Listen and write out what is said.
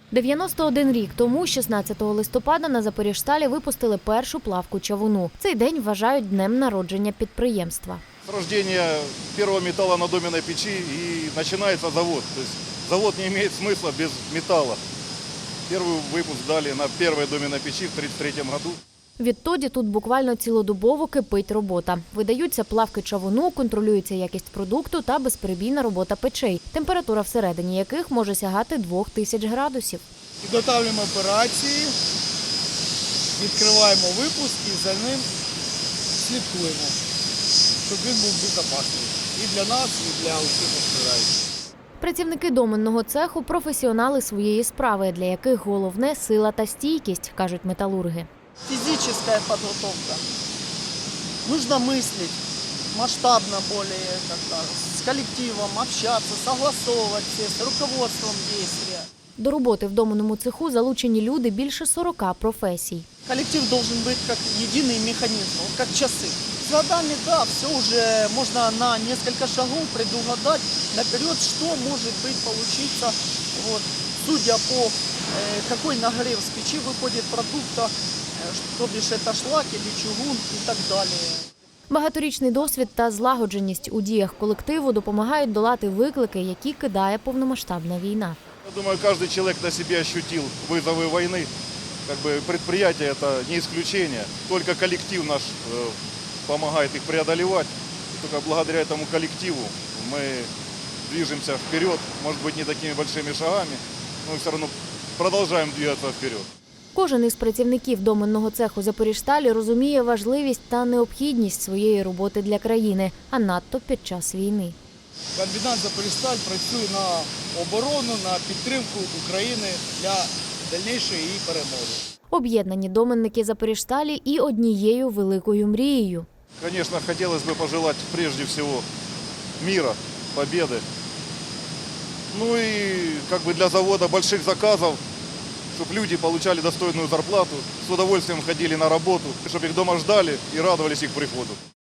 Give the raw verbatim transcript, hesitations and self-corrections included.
дев'яносто один рік тому, шістнадцятого листопада, на Запоріжсталі випустили першу плавку чавуну. Цей день вважають днем народження підприємства. С рождения первого металла на доменной печи и начинается завод. То есть завод не имеет смысла без металла. Первый выпуск дали на первой доменной печи в тридцать третьем году. Відтоді тут буквально цілодобово кипить робота. Видаються плавки чавуну, контролюється якість продукту та безперебійна робота печей, температура всередині яких може сягати двох тисяч градусів. Підготовлюємо операції, відкриваємо випуск і за ним слідкуємо, щоб він був безпечний і для нас, і для усіх постраждалих. Працівники доменного цеху – професіонали своєї справи, для яких головне – сила та стійкість, кажуть металурги. Физическая подготовка. Нужно мыслить масштабно более, как-то, с коллективом, общаться, согласовывать все, с руководством действия. До роботи в доменному цеху залучені люди більше сорока професій. Коллектив должен быть как единый механизм, вот как часы. С годами, да, все уже можно на несколько шагов предугадать наперед, что может быть получиться, вот, судя по э, какой нагрев с печи выходит продукта, то бишь это шлак или чугун и так далі. Багаторічний досвід та злагодженість у діях колективу допомагають долати виклики, які кидає повномасштабна війна. Я думаю, каждый человек на себе ощутил вызовы войны. Как бы предприятие – это не исключение. Только коллектив наш э, помогает их преодолевать. И только благодаря этому коллективу мы движемся вперед. Может быть, не такими большими шагами, но все равно продолжаем двигаться вперед. Кожен із працівників доменного цеху Запоріжсталі розуміє важливість та необхідність своєї роботи для країни, а надто під час війни. Комбінат «Запоріжсталь» працює на оборону, на підтримку України для дальнішої її перемоги. Об'єднані доменники Запоріжсталі і однією великою мрією. Конечно, хотелось бы пожелать прежде всего мира, победы. Ну и как бы для завода больших заказов, чтобы люди получали достойную зарплату, с удовольствием ходили на работу, чтобы их дома ждали и радовались их приходу.